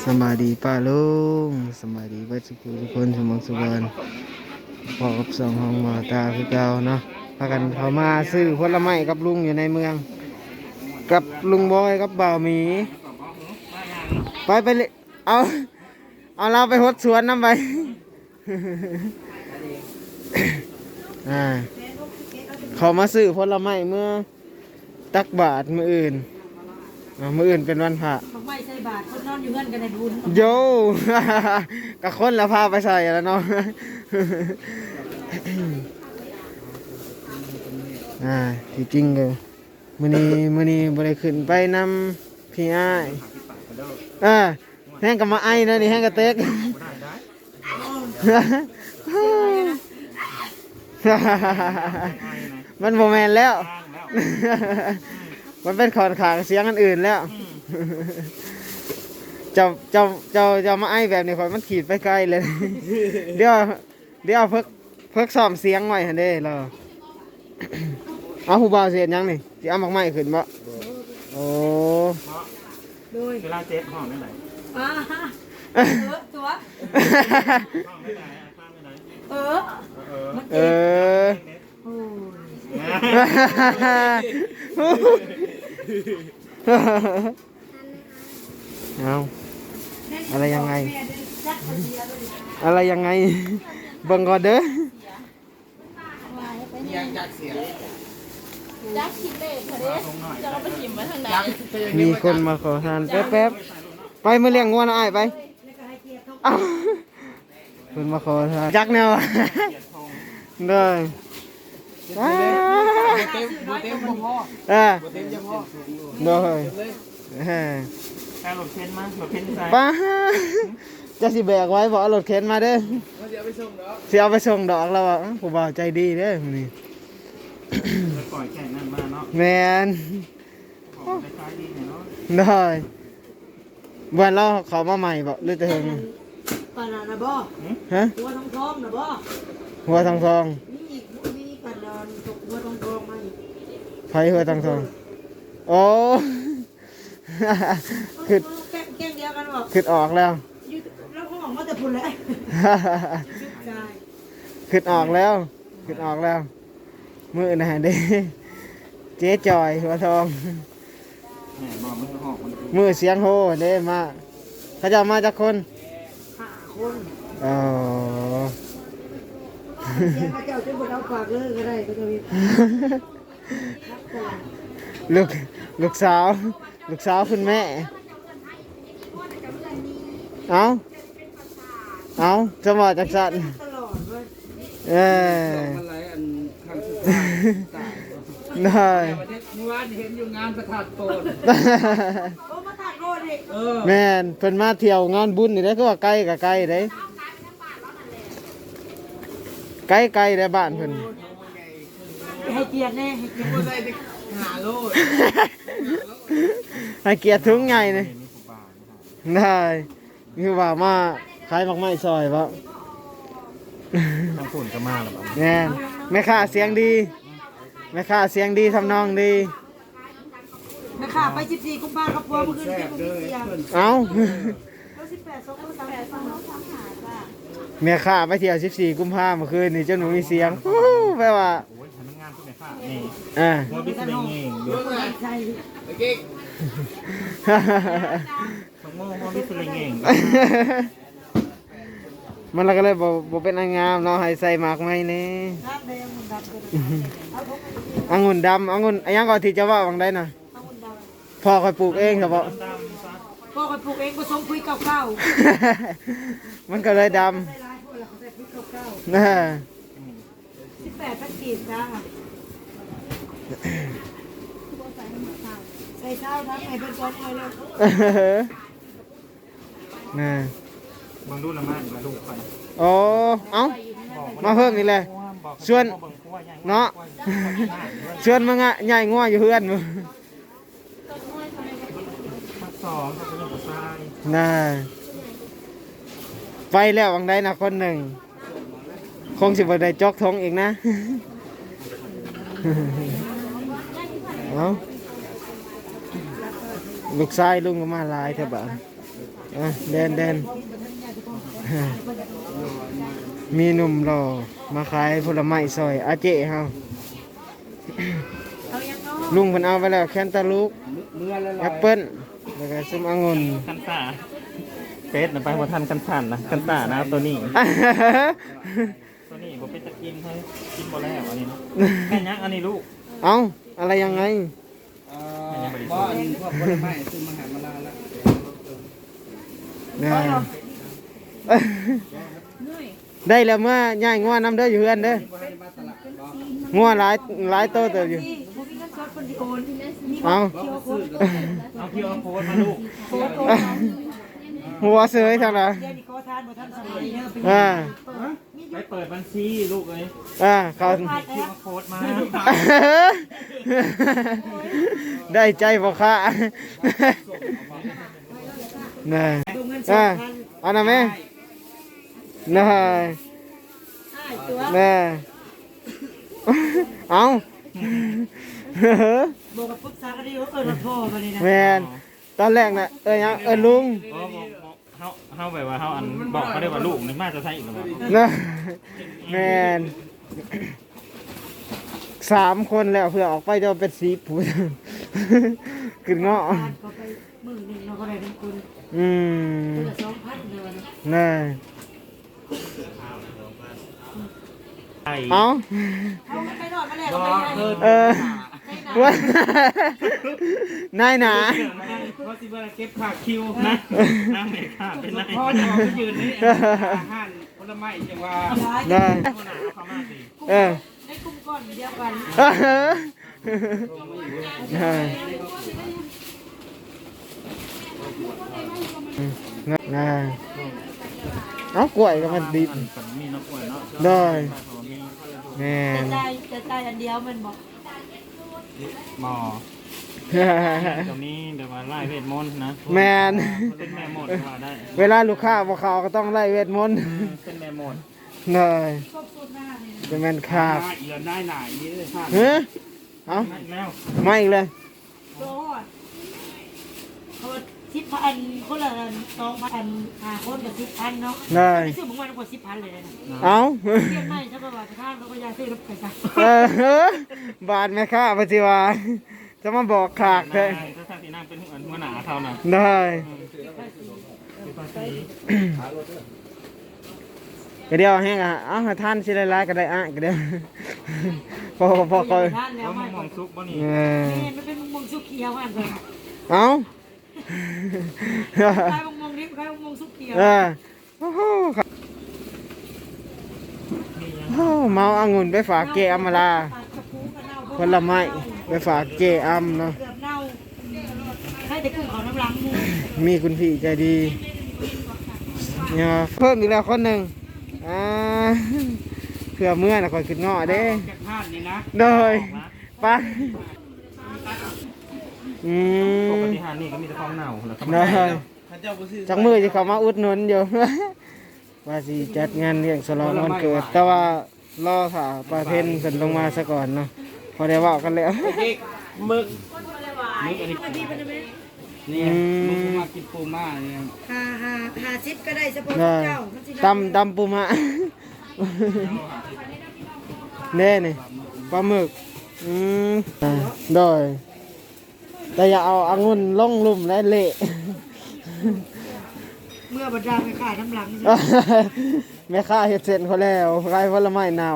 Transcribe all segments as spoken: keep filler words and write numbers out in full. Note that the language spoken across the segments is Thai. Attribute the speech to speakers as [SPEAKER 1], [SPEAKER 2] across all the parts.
[SPEAKER 1] สบายดีป้าลุงสบายดีเบิดสุขุทุกคนสมองสุวรรณพอกับสองห้องหมอตาคือเก่าเนาะพากันเขามาซื้อผลไม้กับลุงอยู่ในเมืองกับลุงบอยกับบ่าวหมีไปไปเลยเอาเอาเราไปหดสวนน้ำไป อ่าเขามาซื้อผลไม้เมื่อตักบาทมืออื่นอ่ามืออื่นเป็นวันพระ
[SPEAKER 2] บอกไม่ใส่บาทคนนอนอยู่เงินกันในบุญ
[SPEAKER 1] โย กับคนละพาไปใส่แล้วเนาะ อ่าที่จริงเลยมื้อนี้มื้อนี้บ่ได้ขึ้นไปนำพี่อ้ายอ่าแห้งกับมาไอ้นะนี่แห้งกับเต็ก มันบ่แม่นแล้ว มันเป็นขอนขางเสียงอันอื่นแล้ว เจ้าเจ้าเจ้าเจ้ามาไอ้แบบนี้ข่อยมันขีดไปไกลเลย เดี๋ยวเดี๋ยวเพิกเพิกซ้อมเสียงไว้หั่นเด้เรา เอาผู้บ่าวเสียยังนี่สิเอาหมากไม้ขึ้นบ่โอ้
[SPEAKER 2] โดย
[SPEAKER 3] เวลาเจ็บห้องไม่ไหน
[SPEAKER 2] อ่าเออตัว
[SPEAKER 3] ห้องไม่ไหนข้างไม่ไหน
[SPEAKER 2] เออ
[SPEAKER 3] เออ
[SPEAKER 2] มัน
[SPEAKER 1] เอ
[SPEAKER 2] เจ็บ
[SPEAKER 1] อ
[SPEAKER 2] โอ้ย
[SPEAKER 1] เอาอะไรยังไง อะไรยังไงเบิ่งก่อนเด้อ
[SPEAKER 4] ยักษ์คิดเลยพอดีจะเราไปหิมมาทางไหน
[SPEAKER 1] มีคนมาขอทานแป๊บๆไปมาเลี้ยงงัวนะอ้ายไปเอ้าคนมาขอทานจักแนวอะได้อ่า
[SPEAKER 3] เต็มเต็มพ่อ
[SPEAKER 1] เออ
[SPEAKER 3] เต็มยังพ่อ
[SPEAKER 1] ได้เออ
[SPEAKER 3] แค่รถเข็นมาหรถเข็นใส่
[SPEAKER 1] ป้าจะสิแบกไว้บอกเอารถเข็นมาเด้อ
[SPEAKER 3] เดี๋ยวไปส่งเนาะ
[SPEAKER 1] สิเอาไปส่งดอกแล้วอ่ะผู้บ่าวใจดีเด้อมื้อนี้
[SPEAKER 3] จะปล่อยแข่งนั่นมาเนาะ
[SPEAKER 1] แม่น
[SPEAKER 3] ของคล้ายๆดีเนาะ
[SPEAKER 1] ได้เมื่อเราเขามาใหม่บ่หรือแต่เฮิง
[SPEAKER 2] ปานานะบ่
[SPEAKER 1] ฮะ
[SPEAKER 2] หัวทองทองนะบ่
[SPEAKER 1] หัวทองทอง
[SPEAKER 2] นี่อีกนี่กันนอนตกหัวทองทองมาอีก
[SPEAKER 1] ไผหัวทองทองโอ้ ขึ้น
[SPEAKER 2] แก้งแก้งเดียวกันบอก
[SPEAKER 1] ขึ้นออกแล้ว
[SPEAKER 2] อยู่แล้วเขาบอกว่าแต่พุ่นเลยใช่
[SPEAKER 1] ขึ้นออกแล้วขึ้นออกแล้วมือนะเด้เจ๊จอยหัวทอง
[SPEAKER 3] แหมบอกมันหอกมัน
[SPEAKER 1] มือเสียงโฮเด้มาเขาจะมาจากคน
[SPEAKER 2] ห้าคน
[SPEAKER 1] อ๋อ
[SPEAKER 2] เสียงพระเจ้าจะบดเอาฝากเลยก็ได้ก็จะมีรับก่อน
[SPEAKER 1] ลูกลูกสาวลูกสาวคุณแม่เอาเอาจะมาจากสัน
[SPEAKER 2] ตลอดเลย
[SPEAKER 1] เออ
[SPEAKER 3] อะไรอันข้างสุดท้ายตาย
[SPEAKER 1] ได้
[SPEAKER 3] วันนี้เมื่อวานเห็นอยู่งานประทัดโตน
[SPEAKER 2] โอ้มาตัดโรดอีก
[SPEAKER 3] เออ
[SPEAKER 1] แม่นเพิ่นมาเที่ยวงานบุญนี่ได้อก็ว่าไกลกับไกลได้ไกลไกลได้บ้านเพิ่น
[SPEAKER 2] ให้เกียรติแน่ให้เกียรติ
[SPEAKER 3] ก็ได้หาโลด
[SPEAKER 1] ให้เกียรติถุงใหญ่นี่ได้คือว่ามาขายหมากไม้ซอยบ่
[SPEAKER 3] ทั้งฝุ่นก็มาแล้ว
[SPEAKER 1] แม่นแม่ค้าเสียงดีแม่ค้าเสียงดีทำนองดี
[SPEAKER 2] แม่ข่าไปสิบสี่กุมภาพันธ์กับพวกเมื่อคืนที่มึงมีเสียง
[SPEAKER 1] เอ้า
[SPEAKER 2] แล้วสิบแปดสองคนสามแปดสองน้องสามหาจ้ะ
[SPEAKER 1] แม่ค้าไปเที่ยวสิบสี่กุมภาพันธ์เมื่อคืนนี่จนหนูมีเสียงฮู้แปลว่า
[SPEAKER 3] โอ้ยทำงานพวกไหนค่ะนี่
[SPEAKER 1] อ่า
[SPEAKER 3] โมบิสเลงเองดู
[SPEAKER 2] ใช่
[SPEAKER 3] ของโมโมบิสเลงเอง
[SPEAKER 1] มันแล้วก็เลยบ่บ่เป็นอันงามเนาะให้ใส่หมากไม้นี่
[SPEAKER 2] น้ำแดงมันดับเลยเอาพวกมัน
[SPEAKER 1] องุ่นดำองุ่นอันยังก่อนที่จะว่าวังได้น่ะ
[SPEAKER 2] เอามันดำ
[SPEAKER 1] พ่อคอยปลูกเองครับบ่
[SPEAKER 3] ดำซะ
[SPEAKER 2] พ่อคอยปลูกเองผสมคุยเก่า
[SPEAKER 1] มันก็เลยด
[SPEAKER 2] ๆใส่ร้ายพวกเราเขาใส่คุยเก่า
[SPEAKER 1] ำนะ
[SPEAKER 2] ๆสิบแปดพันกีบจ้าใส่เช้าทั้งไอ้เป็นซ้อมเลยเลย
[SPEAKER 1] นะ
[SPEAKER 3] บางรุ่นละมามาดูไป
[SPEAKER 1] โอ้เอ้ามาเพิ่มอีกเลยส่วนเนาะส่วนมึงอ่ะใหญ่งัวอยู่เพื่อนมึง
[SPEAKER 3] สองเขาเป็นผู้ชาย
[SPEAKER 1] น่าไปแล้ววังได้นะคนหนึ่งคงสิบได้จอกท้องอีกนะ เอาลูกชายลุงก็มาหลายเถอะบ้านอ่ะเดินเดินมีหนุ่มหล่อมาขายผลไม้ซอยอาเจ๊เฮา
[SPEAKER 2] เอายังเนาะ
[SPEAKER 1] ลุงเพิ่นเอาไปแล้วแคนตาลูกแอปเปิ้ลแล้วก็ส้มองุ่น
[SPEAKER 3] คันตาเฟสนะไปบ่ทันคันทันนะคันตานะตัวนี้ ตัวนี้ผมเป็นตะกินให้กินบ่แล้วอันนี้นะแม่ยักษ์อันนี้ลูก
[SPEAKER 1] เอ้าอะไรยังไง
[SPEAKER 3] แม่ยักษ์บริ
[SPEAKER 5] บ่
[SPEAKER 3] สุท
[SPEAKER 5] อัน
[SPEAKER 3] ธิ์
[SPEAKER 5] พวกผลไม้ซื้อมาหามาลาแล้ว
[SPEAKER 1] ได้ได้แล้วเมื่อย่ายงัวน้ำเด้ออยู่เฮือนเด้อ
[SPEAKER 5] บ่ให้มาตลาดบ่
[SPEAKER 1] งัวหลายหลายโตเติบอยู่
[SPEAKER 2] นี่พวกนี้ก็ซอสคนที่โอนมี
[SPEAKER 1] เอา
[SPEAKER 5] บ่ซื้อ
[SPEAKER 3] เอาคิวเอาโค้ดมาลูก
[SPEAKER 2] โอนโอน
[SPEAKER 1] หัวเสยทางไหน
[SPEAKER 2] เดี๋ยวนี้เขาทานบ่ทันสมัยเนี่ยเป็น
[SPEAKER 1] อ่า
[SPEAKER 3] ไปเปิดบัญชีลูกเลย
[SPEAKER 1] อ่าเขา
[SPEAKER 3] คิวเอาโค้ดมา
[SPEAKER 1] ได้ใจพ่อค้าน่ะ
[SPEAKER 2] ดูเงินส
[SPEAKER 1] อ่า
[SPEAKER 2] ดพัน
[SPEAKER 1] เอาหน่ะแม่น่ะ
[SPEAKER 2] อ้ายตัว
[SPEAKER 1] น่ะเอา
[SPEAKER 2] บอกกับปรึกษากันดีว่าเออเราพ่อมาเลยนะ
[SPEAKER 1] แมนตอนแรกน่ะเอ้ยยังเอ้ยลุง
[SPEAKER 3] โอ้เฮาเฮาแบบว่าเฮาอันบอกเขาได้ว่าลูกนี่มาจะใช่อีกหรือเปล่า
[SPEAKER 1] นะแมนสามคนแล้วเพื่อออกไปจะเป็นสีผู้ ขึ้นเงาะ
[SPEAKER 2] ทานเขาไปมื้อหนึงเราก็ได้เป็นคน
[SPEAKER 1] อืม
[SPEAKER 2] คนละสองพันเลยวันนี้
[SPEAKER 1] น่ะ
[SPEAKER 3] ไอ้
[SPEAKER 1] เอา
[SPEAKER 2] เอาไปนอนมาแล้ว
[SPEAKER 3] บ่
[SPEAKER 2] เราไป
[SPEAKER 3] เพิ่น
[SPEAKER 1] เออว่านายหนา
[SPEAKER 3] เพราะสิว่าเก็บผักคิวนะน้ำเมฆาเป็นไร
[SPEAKER 5] พ่อจะเอาไปยืนนี่อาหารผลไม้จังว่า
[SPEAKER 1] ได้
[SPEAKER 3] คนหนาเขามาสิ
[SPEAKER 1] เออ
[SPEAKER 2] ในกลุ่มก้อนเดียวกัน
[SPEAKER 1] เออได้น่ะเอากล้วยก็มันดิบ
[SPEAKER 3] มีน้ำกล้วยเนาะ
[SPEAKER 1] ได้ แม่
[SPEAKER 2] จะ
[SPEAKER 1] น
[SPEAKER 2] ได้จะได้อันเดียวมันบอก
[SPEAKER 3] หมอตรงนี้เดี๋ยวมาไล่เวทมนต์นะ
[SPEAKER 1] แมน
[SPEAKER 3] เป็นแม่หมดว่าได้
[SPEAKER 1] เวลาลูกค้าบอกเขาก็ต้องไล่เวทมนต์
[SPEAKER 3] เป็นแม่หมด
[SPEAKER 1] เลยเป็นแมนคาบ
[SPEAKER 5] เอียนได้หน่ายนี่เลยค่ะ
[SPEAKER 1] เฮ้ยเอา
[SPEAKER 3] แล้ว
[SPEAKER 1] ไม่อีกเลย
[SPEAKER 2] โดดเขาสิบพันคนละสองพันห้าคนกับสิบพันเนาะ
[SPEAKER 1] เลย
[SPEAKER 2] ไม่ซื้อมึงวันกว่าสิบพันเลยนะ
[SPEAKER 1] เอา
[SPEAKER 2] เรียนไม่ถ้าประวัติข้างเราก็ยาซื้อรถไปซะ
[SPEAKER 1] เออบาทแม่ค้าปฏิวาจะมาบอกขากเลย
[SPEAKER 3] ถ้าท่านที่นั่งเป็นหัวหน้าเขาน่ะ
[SPEAKER 1] ได้
[SPEAKER 3] คือภาษี
[SPEAKER 1] ก็เดียวแห้งอ่ะเอ้าให้ท่านสิไล่ๆก็ได้อ่ะก็เดียวพอพอคอย
[SPEAKER 2] ท่านแล้ว
[SPEAKER 3] เขา
[SPEAKER 2] ไม่
[SPEAKER 3] มองซุกบ่นี่
[SPEAKER 1] เออ
[SPEAKER 2] นี่มันเป็นมงสุกเขียวอ่ะเลย
[SPEAKER 1] เอา
[SPEAKER 2] ใครมงมงนี้ใครมงสุกเขียว
[SPEAKER 1] เออโอ้โหครับโอ้เมาองุ่นไปฝากเกอัมมาลาผลไม้ไปฝากเกอัมเนาะ
[SPEAKER 2] เกือบเน่าให้แต่กุ้งเขาน้ำล้างมือ
[SPEAKER 1] มีคุณพี่ใจดีเนี่ยเพิ่มอีกแล้วคนหนึ่งอ่าเพื่อเมื่อนะคอยขึ้นเงาะเด้
[SPEAKER 5] แกพลาดนี่นะ
[SPEAKER 1] โดยไปอื
[SPEAKER 3] ป
[SPEAKER 1] ม
[SPEAKER 3] กติหานี่ก็มีแต่ของเน่าแล้วก็
[SPEAKER 1] โดย
[SPEAKER 5] ถ้าเจ้าบ่ซื้อ
[SPEAKER 1] จักมือจะเขามาอุดหนุนอยู่ ว่าสิจัดงานเลี้ยงฉลองวันเกิด แต่ว่ารอถ่าปลาเทนขึ้นลงมาซะก่อนเนาะพอได้เว่ากันแล้ว
[SPEAKER 5] เด็กหมึก
[SPEAKER 3] นึกอันนี้
[SPEAKER 2] พี่เป็นไหม
[SPEAKER 5] นี่มึงมากินปูม่าเนี่ย
[SPEAKER 2] หาหาหาชิปก็ได้เฉพาะ
[SPEAKER 1] ได้
[SPEAKER 2] เจ้ามันสิได้
[SPEAKER 1] ตำตำปูมะ เน่นี่ปลาหมึกอืมอ่าโดยแต่อย่าเอาองุ่นลงลุ่มและเละ
[SPEAKER 2] เมื่อบรรดาไปขายน้ำหลัง
[SPEAKER 1] แม่ค้าเห็ดเสร็จเขาแล้วขายผลไม้หนาว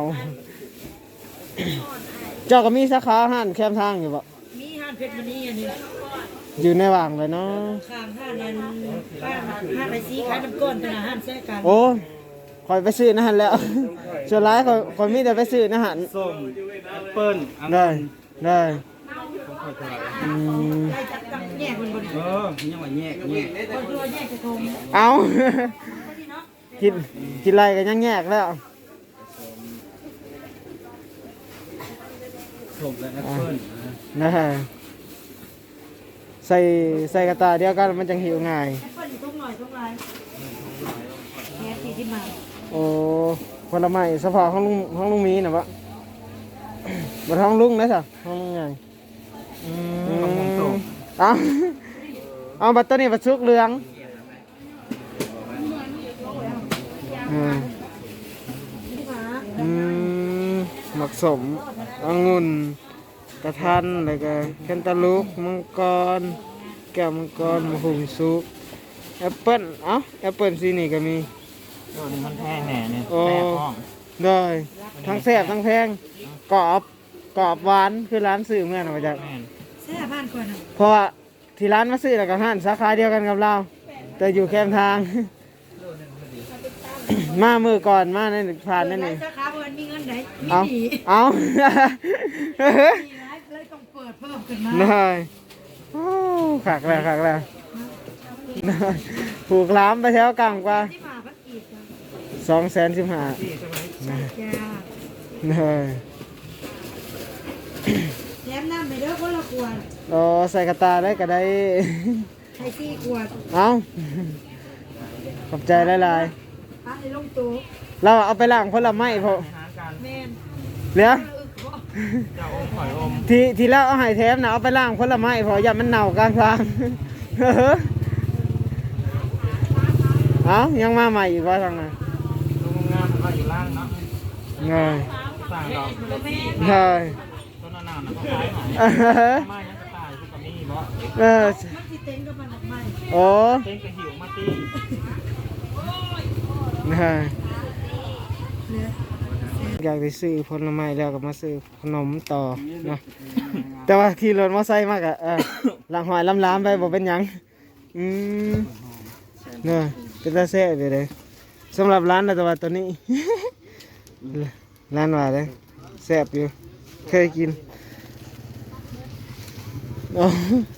[SPEAKER 1] เจ้าก็มีสาขาห้านแคมทางอยู่ปะ
[SPEAKER 2] มีห้านเพชรมณีอันนี้
[SPEAKER 1] อยู่ในว่างเลยเนาะ
[SPEAKER 2] ข้างห้านนั้นห้านห้านไรซีขายน้ำก้อนเป็นอาหารแท้กัน
[SPEAKER 1] โอ้คอยไปซื้อนะฮันแหล้ว ส่วนร้ายคอยคอยมีแต่ไปซื้อนะฮัน
[SPEAKER 3] ส้มแอปเปิ้ล
[SPEAKER 1] ได้ได้อืม
[SPEAKER 2] ได้จัดตั้งแยกคนบน
[SPEAKER 5] เออยังว่าแยกแยก
[SPEAKER 2] คนตัวแยกกระทง
[SPEAKER 1] เอา
[SPEAKER 2] ก็ดีเนาะ
[SPEAKER 1] กินกินไรกันยังแยกแล้ว
[SPEAKER 5] ส้มและแอปเปิ้ล
[SPEAKER 1] นะฮะใส่ใส่กระตาเดียวกันมันจังหิวง่าย
[SPEAKER 2] แอปเปิ้ลอยู่ตรงหน่อยตรงไรแค่ที่ที่มา
[SPEAKER 1] โอ้ผลไม้สภาพห้องลุงห้องลุงมีนะปะ บัดห้องลุงนะจ๊ะห้องลุงไง
[SPEAKER 3] อืมของผมส้ม
[SPEAKER 1] เอาเอาบัตรตัวนี้บัตรชุกเหลืองสมองุ่นตะทันแล้วก็แคนตาลูปมังกรแก้วมังกรมะฮุงซุกแอปเปิ้ลเอ้าแอปเปิ้ลสีนี่ก็มี
[SPEAKER 3] โอ้นี่มันแพงแหน่เนี่ย
[SPEAKER 1] โอ้
[SPEAKER 3] แพงห้อง
[SPEAKER 1] ได้ทั้งแซ่บทั้งแพงกรอบกรอบหวานคือร้านซื้อเมื่อนมาจาก
[SPEAKER 3] แม่น
[SPEAKER 2] แซ่บบ้านก่อนนะ
[SPEAKER 1] เพราะว่าที่ร้านมาซื้อแล้วกับห้านสาขาเดียวกันกับเรา แต่อยู่แคมทาง มามือก่อนมาในผ่านนั่นเอง
[SPEAKER 2] สาขาบนมีเงินไหนมี
[SPEAKER 1] เอา
[SPEAKER 2] หนี
[SPEAKER 1] เอา
[SPEAKER 2] มีร้านเลยต้องเปิดเพิ่มขึ้นมา
[SPEAKER 1] ได้โอ้ขักแล้วขักแล้วได้ผูกล้ามไปแถวกลางกว่า
[SPEAKER 2] ที่มาพักอีก
[SPEAKER 1] สองแสนสิบห้า
[SPEAKER 3] ที่ใช่ไหม
[SPEAKER 2] จ้า
[SPEAKER 1] ได้
[SPEAKER 2] แถมน้ำไปเด้อคนละขวด
[SPEAKER 1] โอ้ใส่กระตาได้ก็ได้
[SPEAKER 2] ใช้สี่ขวด
[SPEAKER 1] เอาขอบใจหลาย
[SPEAKER 2] พระในลงตู้
[SPEAKER 1] ๆเราเอาไปล้างผลไม้พอ
[SPEAKER 3] อาหารการ
[SPEAKER 2] แม่น
[SPEAKER 1] เหลือ
[SPEAKER 3] เจ้าอมหอยอม
[SPEAKER 1] ที่ที่เราเอาให้แถมนะเอาไปล้างผลไม้พออย่ามันเน่ากลางทาง เอายังมาใหม่อีกว่าทางนั้น
[SPEAKER 3] ลุงงามก็อยู่ล่างเนาะ
[SPEAKER 1] เงย
[SPEAKER 3] สั่งดอก
[SPEAKER 1] เงย
[SPEAKER 3] ต้นนานๆนะเขาขายหอยมายังกระต่ายคือกับนี่บ่
[SPEAKER 1] เออ
[SPEAKER 2] มันสิเต็งกับมันออกมา
[SPEAKER 1] โอ้
[SPEAKER 3] เต้นกระหิวมาตี
[SPEAKER 1] เงยอยากไปซื้อผลไม้แล้วก็มาซื้อขนมต่อเนาะแต่ว่าขี่รถมอเตอร์ไซค์มากอะเออหลังหอยล้ำๆไปบอกเป็นหยังอืมเนาะเป็นตาแซ่บไปเลยสำหรับร้านนะแต่ว่าตัวนี้ ร้านว่าเลยแซ่บอยู่เคยกินโอ้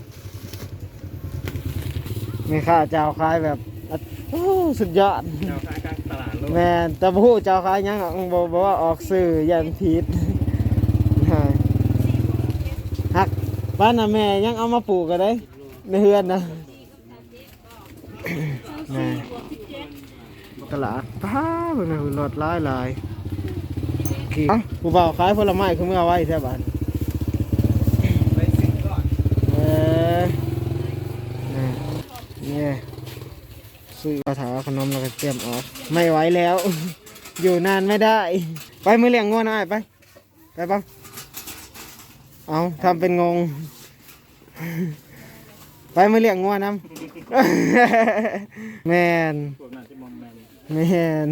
[SPEAKER 1] มีข้าวเจ้าขายแบบโอ้สุดยอด
[SPEAKER 3] เจ้าขายกลางตลาดโลก
[SPEAKER 1] แม่นแต่บ่ฮู้เจ้าขายหยังหรอกบอกบอกว่าออกสื่อยันผิด ใช่ฮักบ้านน่ะแม่ยังเอามาปลูกก็ได้ในเฮือนนะ แม่ตลาดป้าเพิ่นน่ะรถหลายหลายกี่เอ้าผู้บ่าวขายผลไม้คือเมื่อไว้แท้บ้าน
[SPEAKER 5] ไปสิก่อน
[SPEAKER 1] เออนี่นี่ซื้อกระถาขนมแล้วก็เตรียมออกไม่ไหวแล้ว อยู่นานไม่ได้ ไปมือเลี้ยงงัวหน่อยไปไปบ้างเอาทำเป็นงง ไปมือเลี้ยงงัวน้ำ แมน
[SPEAKER 3] พวกนั้นจะมอมแมน
[SPEAKER 1] แมน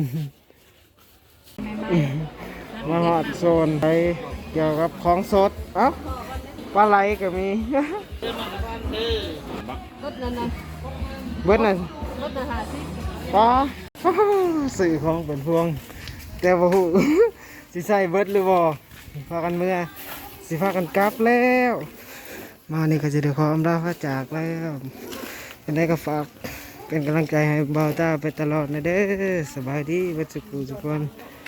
[SPEAKER 1] มาหอดโซนไปเกี่ยวกับของสดเอ้าปลาไหลก็มี
[SPEAKER 4] รถนั้นนะ
[SPEAKER 1] เบิดน่ะ
[SPEAKER 4] รถนะหาสิ
[SPEAKER 1] ปลา สื่อของเป็นพวง แต่บ่ฮู้ สิใส่เบิดหรือบ่พากันเมื่อสิพากันกลับแล้ว มานี่ก็จะได้ขออำลาพระจากแล้วเป็นได้ก็ฝากเป็นกำลังใจให้เบาตาไปตลอดนะเด้อสบายดีเบัดสุขทุกคน